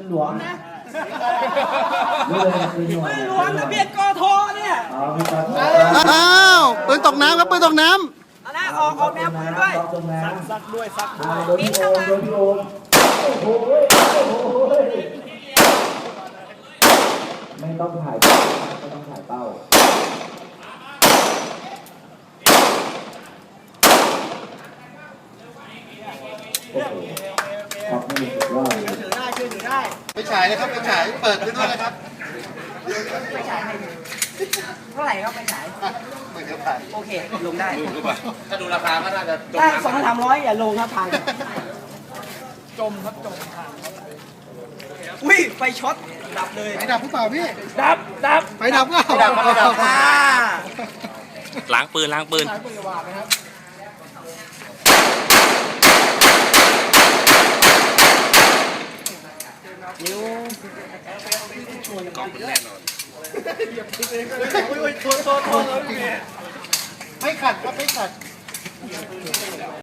หลวงนะปืนหลวงทะเบียนกทเนี่ยอ้าวปืนตกน้ำครับปืนตกน้ำเอาละออกแนวปืนด้วยซักด้วยมิ้นเข้ามาไม่ต้องถ่ายไม่ต้องถ่ายเป้าครับนี่สุดยอดถือได้ถือได้ไปฉายนะครับไปฉายเปิดขึ้นด้วยนะครับไปฉายเท่าไหร่ครับไปฉายโอเคลงได้ถ้าดูราคาก็น่าจะถ้า200-300อย่าลงครับพังจมครับจมอุ้ยไฟช็อตดับเลยไฟดับหรือเปล่าพี่ดับไฟดับก็ไฟดับล้างปืนล้างปืนนิ้วกล่องแน่นอนไม่ขัดครับไม่ขัด